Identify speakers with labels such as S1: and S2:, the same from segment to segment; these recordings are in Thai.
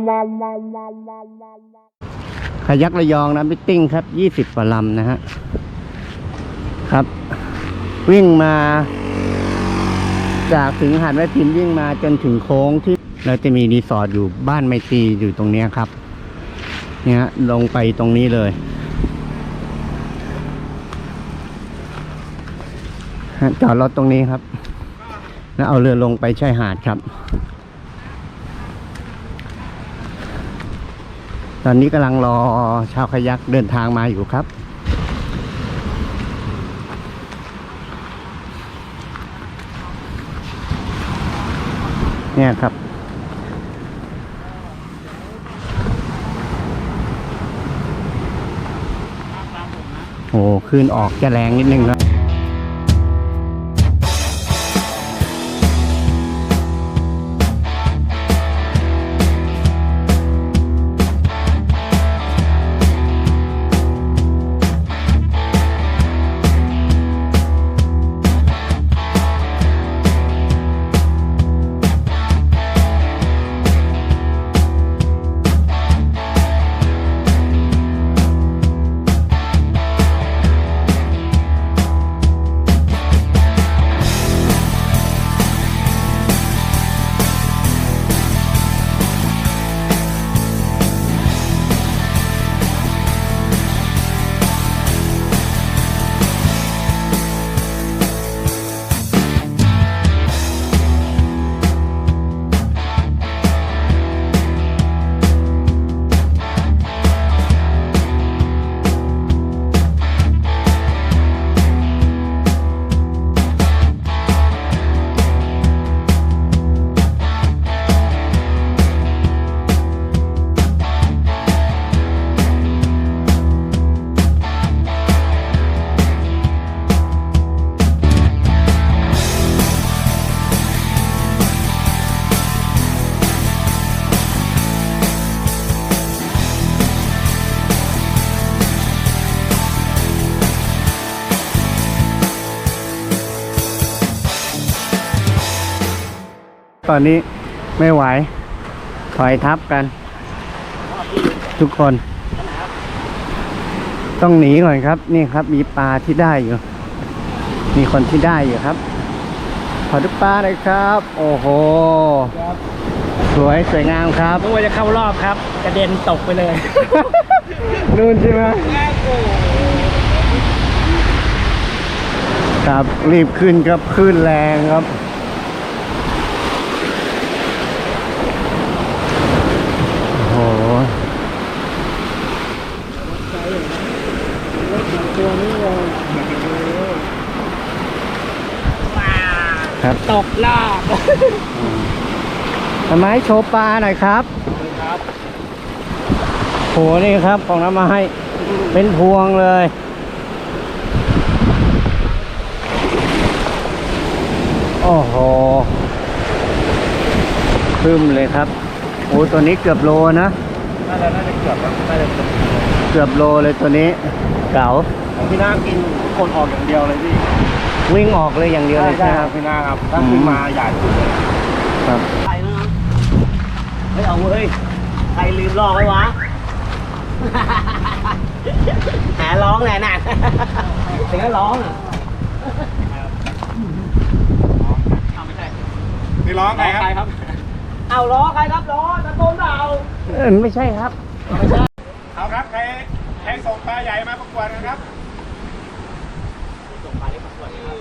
S1: คายักระยองนะมิทติ้งครับ20 กว่าลำนะฮะครับวิ่งมาจากถึงหาดแม่พิมพ์วิ่งมาจนถึงโค้งที่เราจะมีรีสอร์ทอยู่บ้านไมตรีอยู่ตรงนี้ครับเนี่ยลงไปตรงนี้เลยจอดรถตรงนี้ครับแล้วเอาเรือลงไปชายหาดครับตอนนี้กำลังรอชาวคายักเดินทางมาอยู่ครับเนี่ยครับโอ้คลื่นออกจะแรงนิดนึงครับตอนนี้ไม่ไหวถอยทับกันทุกคนต้องหนีก่อนครับนี่ครับมีปลาที่ได้อยู่มีคนที่ได้อยู่ครับขอดูปลาเลยครับโอ้โหสวยงามครับ
S2: นึกว่าจะเข้ารอบครับกระเด็นตกไปเลย
S1: นู่นใช่ไหมครับรีบขึ้นครับขึ้นแรงครับโอ้โหครับ
S2: ตกรอบ
S1: ทำไมโชว์ปลาหน่อยครับโหนี่ครับของน้ำมาให้เป็นพวงเลยโอ้โหขึ้นเลยครับโอ้ตัวนี้เกือบโลนะ
S2: น่าจะเกือบแล้วน่าจะ
S1: เกือบโลเลยตัวนี้เก๋า
S2: ของพี่นากินคนออกอย่างเดียวเลยพี่
S1: วิ่งออกเลยอย่างเดียวเลยใช่ไหมครับ
S2: พี่นาครับถ้าขึ้นมาใหญ่สุดเลย
S1: ครับ
S2: ใครนะเฮ้ยเอาเว้ยใครลืมลอกไว้วะหาร้องแหละน่ะเสียงร้องอ่ะไม่ใช่นี่ร้องใครครับเอาล้อใครครับล้อตะโกนเอา
S1: ไม่ใช่ครับ
S2: ไม่ใช่เอาครับใครส่งปลาใหญ่มาประกวดนะครับส่งปลาเล็กประกวดครับ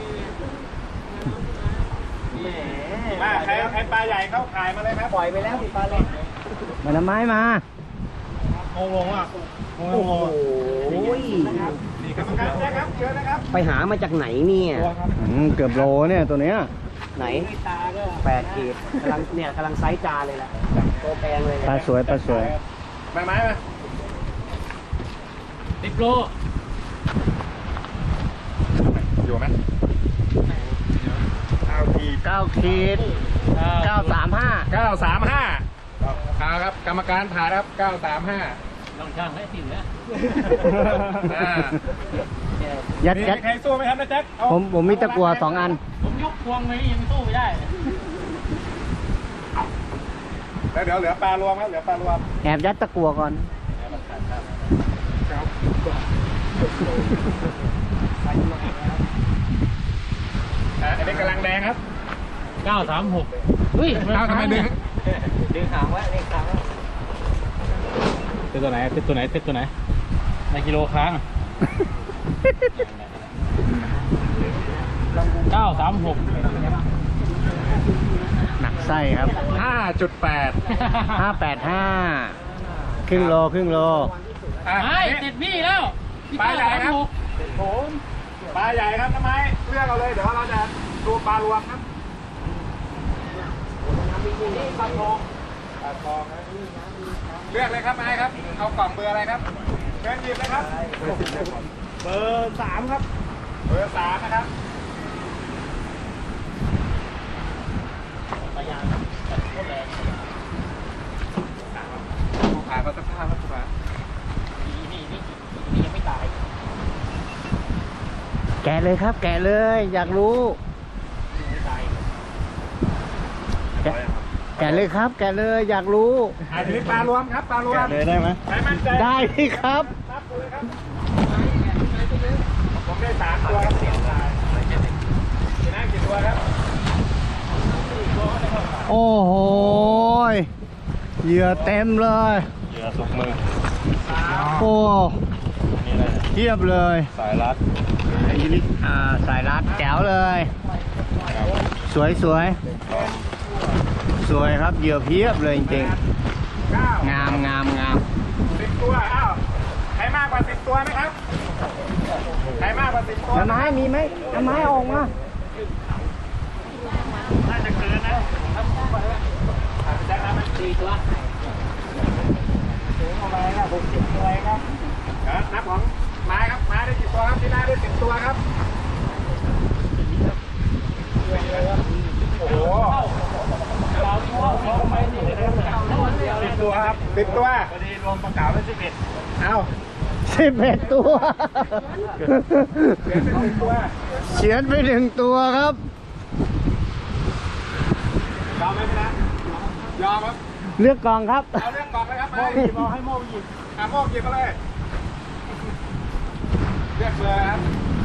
S2: มาใครปลาใหญ่เข้าขายมาเลยครับปล่อยไปแล้วปลาเล็ก
S1: มาทำไมมา
S2: งงอ่ะโอ้โหนี่กรรมการนะครับเยอะนะครับ
S3: ไปหามาจากไหนเนี่ย
S1: เกือบโลเนี่ยตัวเนี้ย
S3: ไหน8 ขีดกำลังไซส์จานเลยแหละโตแพงเลย
S1: ปลาสวย
S2: ไม้มา10 โลอยู่ไหม
S1: 9 ขีด935
S2: ครับกรรมการผ่านครับ935ลองช่างให้สิแล้ว
S1: ยัด
S2: ใครสู้ไหมครับนะแจ็ค
S1: ผมมีตะกั่ว2 อัน
S2: ผมยกพวงไว้ยังสู้ไม่ได้แล้วเดี๋ยวเหลือปลารวมครับเหลือปลารวม
S1: แอบยัดตะกั่วก่อน
S2: อันนี้กำลังแดงครับ
S4: 936เฮ้ย
S2: เอาทำไมดึง
S3: ดึงหางไว้เล็กหางไว้
S4: เป็นตัวไหนเป็นตัวไหนเป็นตัวไหนในกิโลครั้ง936
S1: หนักไส้ครับ
S2: 5.8
S1: 585ครึ่งโลครึ่งโล
S4: ไม่ติดพี่แล้ว
S2: ปลาใหญ่ครับผมปลาใหญ่ครับทำไมเลือกเอาเลยเดี๋ยวเราจะดูปลารวมครับปลาทองนะเลือกเลยครับนายครับเอากล่องเบอร์อะไรครับเชิญหยิบเลยครับเบอร์3ครับเบอร์3นะครับขายมาสักผ้าแล้วถูกไหม
S3: ยังไม่ตาย
S1: แกะเลยครับ แกะเลย อยากรู้ แกะเลยครับ แกะเลยอยากรู้
S2: ทีนี้ปลารวมครับปลารวม
S1: เลยได้ไหม
S2: ใครมั่นใจ
S1: ได้ที่ครับ
S2: นับเลยครับผมได้3ตัวครับกี่น่ากี่ตัวครับ
S1: โอ้โหเหยื่อเต็มเลย
S4: เหยื่อสุกมือ
S1: โอ้
S4: นี่อะไร
S1: เทียบเลย
S4: สายรัด
S1: สายรัดแจ๋วเลย สวยสวยสวยครับเหยื่อเพียบเลยจริง
S2: 9
S1: ๆงามงามงาม
S2: 10 ตัวอ้าวใครมากกว่า10ตัวไหมครับใครมากกว่า10ตัว
S1: น้ำไม้มีไหมน้ำไม้ออกมา
S2: น่าจะเกินนะแจ็คนะมัน4ตัวถึงอะไรนะ60ตัวครับนับของไม้ครับไม้ได้10ตัวครับที่หน้าได้10ตัวครับโอ้โห10 ตัวครับ10 ตัวพอดีรวมประกาศได้11เอ้า
S1: 11 ตัว
S2: เขียนเป็น10 ตัว
S1: เฉียนไป1 ตัวครับ
S2: ยอมไหมพี่นะยอมครับ
S1: เลือกกล่องครับ
S2: เอาเรื่องกล่องเลยครับโม่หยิบเอาให้โม่หยิบโม่หยิบมาเลยเรียกเลยครับ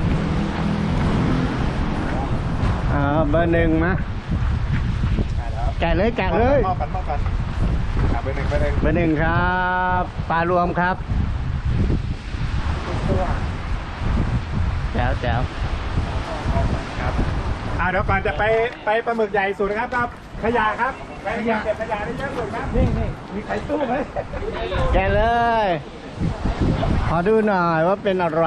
S1: เบอร์ 1มาแกะเลยแกะเลย
S2: มอบกันเบอร์ 1เบอร์ 1
S1: เบอร์ 1ครับปลารวมครับแจ๋วแจ๋ว
S2: ครับเดี๋ยวก่อนจะไปปลาหมึกใหญ่สุดนะครับครับขยะครับไปขยะเก็บขยะได้เยอะสุดครับนี่มีไข่ตู้ไหม
S1: แกะเลย ขอดูหน่อยว่าเป็นอะไร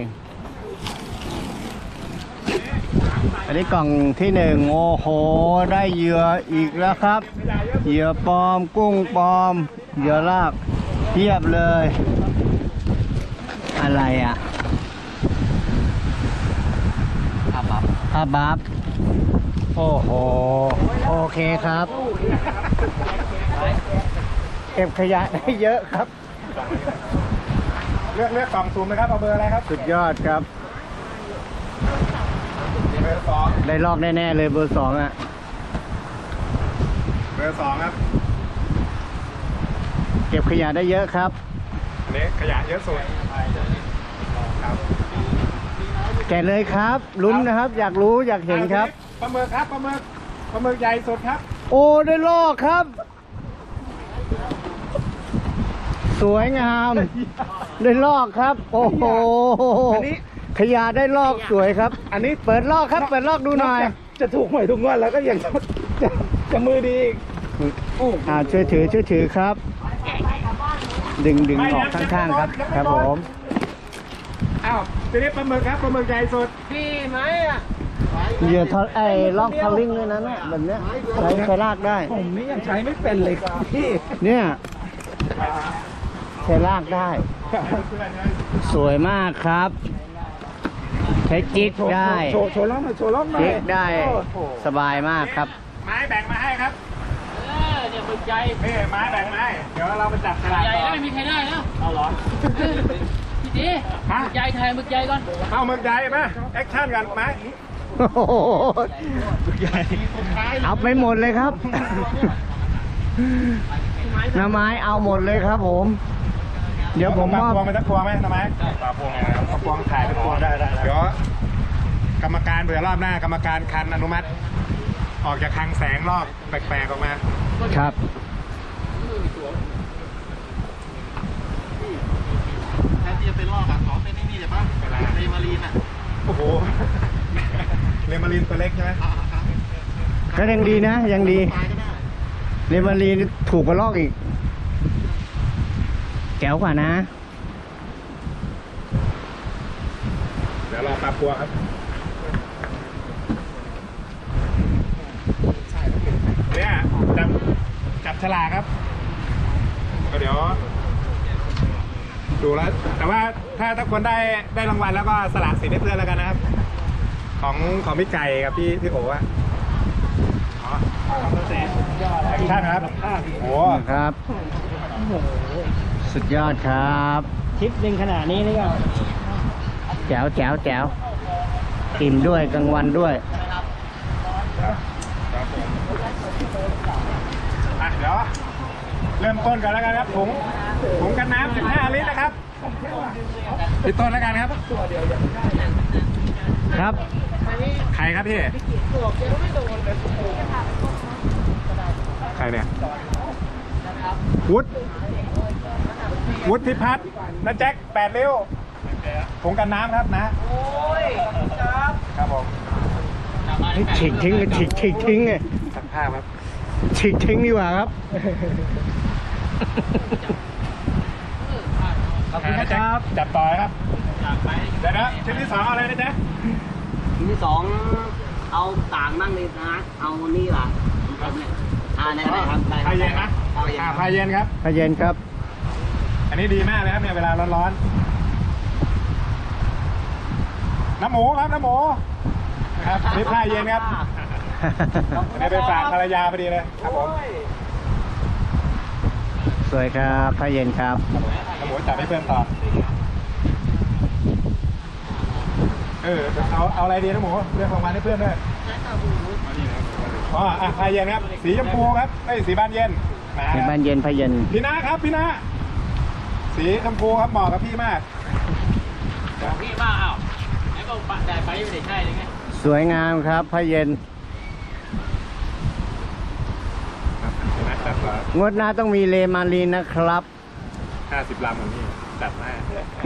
S1: อันนี้กล่องที่ 1โอ้โหได้เหยื่ออีกแล้วครับ
S2: ขยะเยอะ
S1: เหยื่อปลอมกุ้งปลอมเหยื่อลากเทียบเลย อะไรอ่ะผ้าบัฟโอ้โหโอเคครับ เก็บขยะได้เยอะครับ
S2: เลือกกล่องซูมนะครับเอาเบอร์อะไรครับ
S1: สุดยอดครับ
S2: เบอร์ 2
S1: ได้ลอกแน่ๆเลยเบอร์ 2อ่ะ
S2: เบอร์ 2ครับ
S1: เก็บขยะได้เยอะครับ
S2: อันนี้ขยะเยอะสุดครับ
S1: แกะเลยครับลุ้นนะครับ อยากรู้อยากเห็นครับ
S2: ปลาหมึกครับปลาหมึกใหญ่สุดครับ
S1: โอ้ได้ลอกครับ สวยงาม ได้ลอกครับ โอ้โห
S2: อันนี้
S1: ขยะได้ลอกสวยครับ อันนี้เปิดลอกครับ เปิดลอกดูหน่อย
S2: จะถูกหวยทุกงวดแล้วก็ยังจะมือดีอีก
S1: ช่วยถือครับ ดึงออกข้างๆครับ ครับผม
S2: อ้าวทีนี้ปลาหมึกครับปลาหมึกใหญ่สุด
S3: พี่ไหมอ่ะ
S1: เหยื่อทอลอกทอลลิ่งด้วยนะเนี่ยแบบเนี้ยใช้ลากได้
S2: ผมนี่ยังใช้ไม่เป็นเลยครับพี่
S1: เนี่ยใช้ลากได้ สวยมากครับ ใช้จิ๊กได้
S2: โชว์ล่องหน่อยโชว์ล่องหน่อย
S1: จิ๊กได้
S2: โอ้โห
S1: สบายมากครับ
S2: ไม้แบ่งมาให้ครับ
S3: เนี่ยมึกใหญ่
S2: นี่ไม้แบ่งมาให้เดี๋ยวเรามาจับฉลาก
S3: ใหญ่
S2: ก่
S3: แล้ว
S2: อน
S3: ไม่มีใครได้แล้วเอาเหรอพี่ตี
S2: ฮะ
S3: มึกใหญ่ไทยมึกใหญ่ก่อน
S2: เอาหมึกใหญ่มาแอคชั่นกันไม้
S1: โอ้โหเอาไปหมดเลยครับน้าไม้เอาหมดเลยครับผม เดี๋ยวผมมอบ
S2: พวงไปสักพวงไหมทำไมปลาพวงไงครับพวงถ่ายเป็นพวงได้เดี๋ยวกรรมการเผื่อรอบหน้ากรรมการคันอนุมัติ ออกจากคลังแสงรอบแปลกๆออกมา
S1: ครับ
S4: แทนที่จะเป็นลอกอ่ะขอเป็นนี่เดี๋ยวป่ะเรมารีนอ่ะ
S2: โอ้โหเรมารินตัวเล็กใช่ไหม
S1: ก็ยังดีนะ ยังดี
S4: ตายก็ได้
S1: เรมารีถูกกว่าลอกอีก แจ๋วกว่านะ
S2: เดี๋ยวรอปลาพวงครับเนี่ยจับฉลากครับก็เดี๋ยวดูแล้วแต่ว่าถ้าคนได้รางวัลแล้วก็สละสิทธิ์ให้เพื่อนแล้วกันนะครับ ของพี่ไก่กับพี่โอ๋อะอ๋อแอคชั่นครับโอ้
S1: ครับ สุดยอดครับ
S3: ทริปหนึ่งขนาดนี้นี่ก็
S1: แจ๋วแจ๋วแจ๋วอิ่มด้วยกลางวันด้วย
S2: อ่ะเดี๋ยวเริ่มต้นกันแล้วกันครับถุงกันน้ำ15 ลิตรนะครับพี่ต้นแล้วกันครับ
S1: ครับ
S2: ใครครับพี่ใครเนี่ยวุฒิพิพัฒน์นะแจ็ค8 ริ้วถุงกันน้ำครับนะครับผม
S1: ฉีกทิ้งฉีกทิ้งไง
S2: สักผ้าครับ
S1: ฉีกทิ้งดีกว่าครับ
S2: ขอบคุณครับจับต่อครับเดี๋ยวนะชิ้นที่ 2อะไรนะจ๊ะ
S3: ทีที่สองเอาต่างมั่งเลยนะ เอานี่ล่ะผมเนี่ยได้ครับได้
S2: พายเย็นนะพายเย็นครับ
S1: พระเย็นครับ
S2: อันนี้ดีมากเลยครับเนี่ยเวลาร้อนๆน้ำหมูครับน้ำหมูครับนี่พายเย็นครับอันนี้เป็นฝากภรรยาพอดีเลยครับผม
S1: สวยครับพระเย็นครับ
S2: น้ำหมูจับให้เพื่อนต่อเอาอะไรดีน้ำหมูเรื่องรางวัลให้เพื่อนด้วยอ๋อพายเย็นครับสีชมพูครับสีบานเย็น
S1: ในบ้านเย็นพระเย็น
S2: พี่นะครับพี่นะสีชมพูครับเหมาะกับพี่มาก
S4: พี่บ้าอ้าวไอ้ก็ได้ไปไม่ได้ใช่เลยไง
S1: สวยงามครับพระเย็น
S2: นะครับ
S1: งวดหน้าต้องมีเลมารีนนะครับ
S2: 50 ลำของนี่จัดให้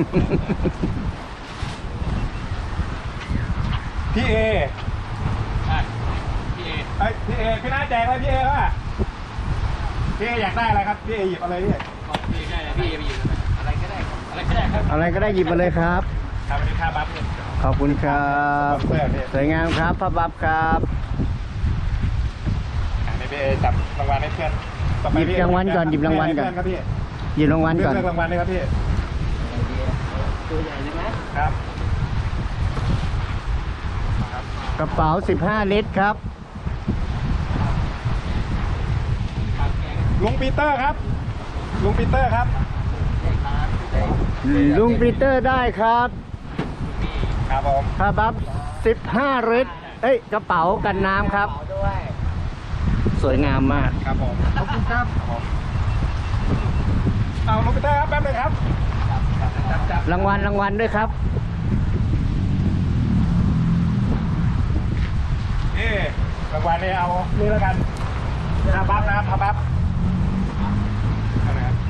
S2: พี่เอ
S4: ใช่พี่เอ
S2: พี่เอพี่น้าแจกอะไรพี่เอป่ะพี่เออยากได้อะไรครับพี่เอหยิบอะไรพี่
S4: ของพี่ได้พี่ไปอยู่อะไรก็ได้อะไรก็ได้ครับ
S1: อะไรก็ได้หยิบมาเลยครับ
S2: ครับวันนี้ค่าบัฟเนี่ย
S1: ขอบคุณครับ
S2: เสื้อพี่
S1: สวยงามครับพระบับครับ
S2: นี่พี่เอจับรางวัลให้เพื่อนต่อไป
S1: หยิบรางวัลก่อนหยิบรางวัลก่อน
S2: ครับพี่
S1: หยิบรางวัลก่อน
S2: เลือกรางวัลเลยครับพี่
S3: ตัวใหญ่เลยไหม
S2: ครับ
S1: กระเป๋า15 ลิตรครับ
S2: ลุงปีเตอร์ครับลุงปีเตอร์ครับ
S1: ลุงปีเตอร์ได้ครับ
S2: ครับผม
S1: พระบับ15 ลิตรกระเป๋ากันน้ำครับ
S3: ด้วย
S1: สวยงามมาก
S2: ครับผมขอบคุณครับเอาลุงปีเตอร์ครับแป๊บนึงครับจับ
S1: รางวัลด้วยครับ
S2: รางวัลนี่เอานี่แล้วกันพาบัฟนะครับพาบัฟนะครับ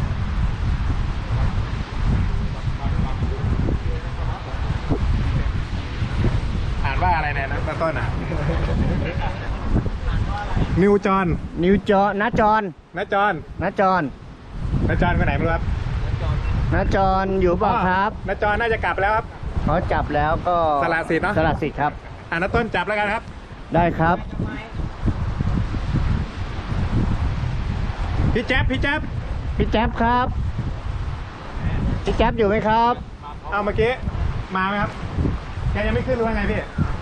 S2: อ่านว่าอะไรเนี่ยนะต้นอ่ะนิวจอน
S1: นิวจอนะจอน
S2: นะจอน
S1: นะจอน
S2: นะจอนไปไหนไม่รู้ครับ
S1: นะจอนอยู่เปล่าครับ
S2: นะจอนน่าจะกลับแล้วครับ
S1: เขาจับแล้วก็
S2: สละสิทธิ์เนอะ
S1: สละสิทธิ์ครับ
S2: นะต้นจับแล้วกันครับ
S1: ได้ครับ
S2: พี่แจ๊บพี่แจ๊บ
S1: พี่แจ๊บครับ พี่แจ๊บอยู่ไหมครับ
S2: เอาเมื่อกี้มาไหมครับแกยังไม่ขึ้นหรือว่าไงพี่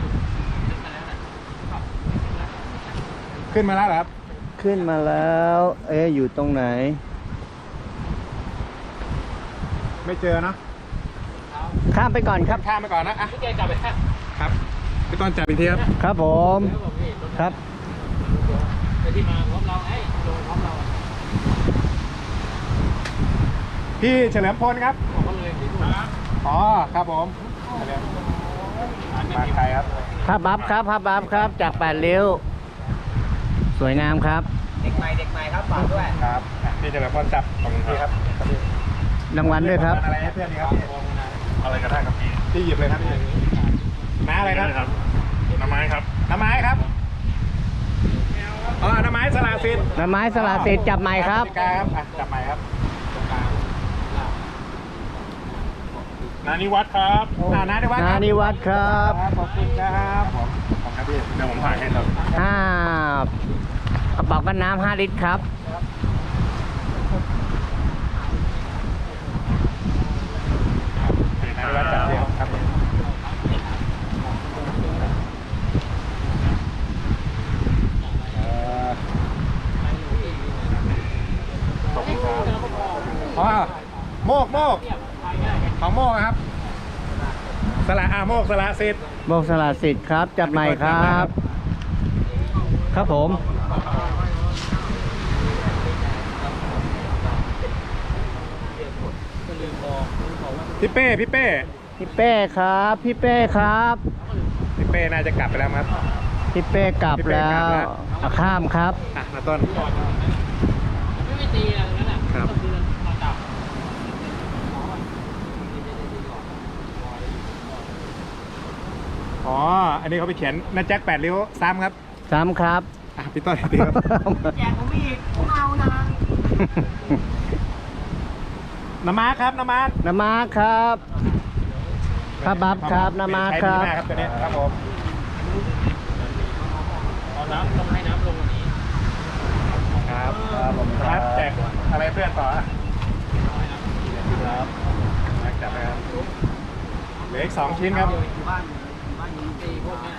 S2: ขึ้นมาแล้วเหรอครับ
S1: ขึ้นมาแล้ว อยู่ตรงไหน
S2: ไม่เจอเนอะ
S1: ข้ามไปก่อนครับ
S2: ข้ามไปก่อนนะอ่ะ
S4: พี่แกกลับไปแค่
S2: ครับพี่ต้นจับอีกทีครับ
S1: ครับผม ครับ
S4: ไปที่มาพร้อมเราลงพร้อมเรา
S2: พี่เฉลิมพลครับ
S4: บอกเขาเลยที่นู่น
S2: อ๋อครับผมมาใครครับ
S1: ภาพบัฟครับภาพบัฟครับ จาก8ริ้ว สวยงามครับ
S3: เด็กใหม่ครับฝากด้วย
S2: ครับพี่เฉลิมพลจับของพี่ครับ
S1: รางวัลด้วยครับ
S2: อะไรให้เพื่อนดีครับพี่อะไรก็ได้ครับพี่หยิบเลยครับพี่น้าอะไรครับน้ำไม้ครับน้ำไม้ครับอ๋อน้ำไม้สลาสิทธิ์
S1: น้ำไม้สละสิทธิ์จับใหม่ครับ
S2: กติกาครับอ่ะจับใหม่ครับ
S4: นานิวัฒน์ครับ
S2: นานิวัฒน์
S1: นานิวัฒน์ครับ
S2: ขอบคุณครับผมขอบคุณครับพี่เดี๋ยวผมถ่ายให้ครับ
S1: กระเป๋ากันน้ำ5 ลิตรครับ
S2: นานิวัฒน์จัดเดียวครับขอบคุณครับอ๋อโมกของโมกครับสละโมกสละสิทธิ์
S1: โมกสละสิทธิ์ครับ จับใหม่ครับ ครับผม
S2: พี่เป้พี่เป้
S1: พี่เป้ครับ พี่เป้ครับ
S2: พี่เป้น่าจะกลับไปแล้วครับ
S1: พี่เป้กลับแล้วข้ามครับ
S2: อ่ะมาต้น
S4: ไม่ตีอะไรตรงนั้นอ่ะ
S2: ครับ
S4: ก็คือเราจับ
S2: อ๋ออันนี้เขาไปเขียนนาแจ็ค8 ริ้วซ้ำครับ
S1: ซ้ำครับ
S2: อ่ะพี่ต้นดีครับ
S3: แจกผมอีกผมเอานะ
S2: น้ำมาครับน้ำมา
S1: น้ำมาครับภาพบัฟครับน้ำมาครับ
S2: ใช้ดีมากครับตัวนี้ครับผม
S4: เอาน้ำต้องให้น้ำลงกว่านี้
S2: ครับผมครับแจกอะไรเพื่อนต่ออ่ะครับจับไปครับเหลืออีก2 ชิ้นครับ
S3: อยู่บ้านอยู่
S4: ตีพวกเนี้ย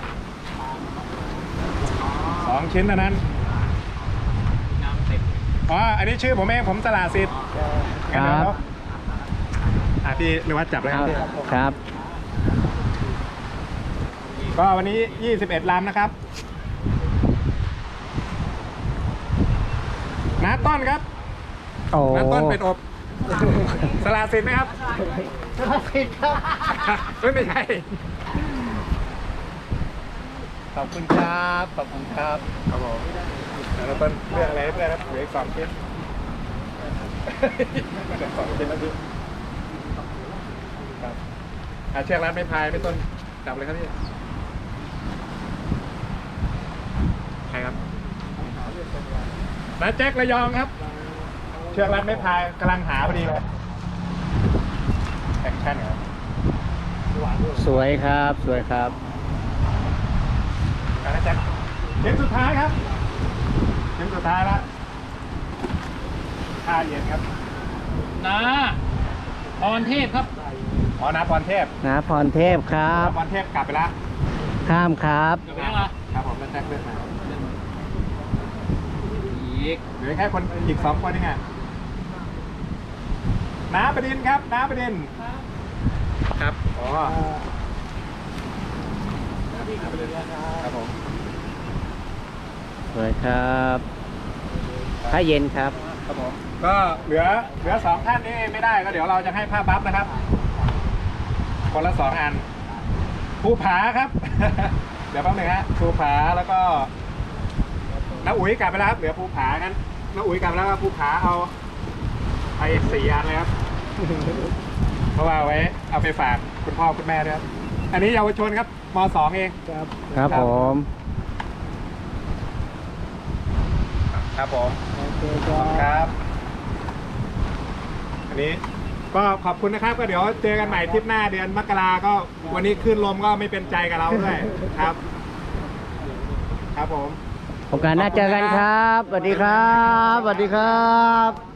S2: 2 ชิ้นเท่านั้น
S4: น้ำเต็ม
S2: อ๋ออันนี้ชื่อผมเองผมสละสิทธิ์
S1: ครับ
S2: อ่ะพี่เรียกว่าจับเลยครับพี่
S1: ครับ
S2: ก็วันนี้21 ลำนะครับน้าต้นครับ
S1: โอ้
S2: น้าต้นเป็นอบสละสิทธิ์ไหมครับ
S1: สละสิทธิ์ครับ
S2: ไม่ใช่
S1: ขอบคุณครับ ขอบคุณครับ
S2: ครับผมแล้วต้นเรื่องอะไรให้เพื่อนครับเหลืออีก2 ชิ้นเหลือ2 ชิ้นแล้วพี่ครับเชือกรัดไม่พายไม่ต้นจับเลยครับพี่ใครครับน้าแจ็คระยองครับ เชือกรัดไม่พายกำลังหาพอดีเลยแอคชั่นครับ
S1: สวยครับ สวยครับ
S2: น้าแจ็คเกมสุดท้ายครับเกมสุดท้ายแล้วท่าเย็นครับ
S4: นาพรเทพครับ
S2: อ๋อนาพรเทพ
S1: นะพรเทพครับ
S2: นาพรเทพกลับไปแล้ว
S1: ข้ามครับ
S4: เดี๋ยวไปยังล่ะ
S2: ครับผมน้าแจ็คเลือกมา
S4: อีก
S2: เหลือแค่คนอีก2 คนนี่ไงน้าประดินครับน้าประดินครับอ๋อครับผม
S1: สวยครับผ้าเย็นครับ
S2: ครับผมก็เหลือ2 ท่านนี่ไม่ได้ก็เดี๋ยวเราจะให้ผ้าบัฟนะครับ คนละ 2 อันภูผาครับ เดี๋ยวแป๊บหนึงฮะภูผาแล้วก็น้าอุ๋ยกลับไปแล้วครับเหลือภูผางั้นน้าอุ๋ยกลับไปแล้วก็ภูผาเอาไป4 อันเลยครับ เพราะว่าเอาไว้เอาไปฝากคุณพ่อคุณแม่ด้วยครับอันนี้เยาวชนครับม.2 เองครับ
S1: ครับผม
S2: ครับผมครับ อันนี้ก็ขอบคุณนะครับก็เดี๋ยวเจอกันใหม่ทริปหน้าเดือนมกราก็วันนี้ขึ้นลมก็ไม่เป็นใจกับเราด้วยครับ ครับผม
S1: โอกาสหน้าเจอกันครับ สวัสดีครับ สวัสดีครับ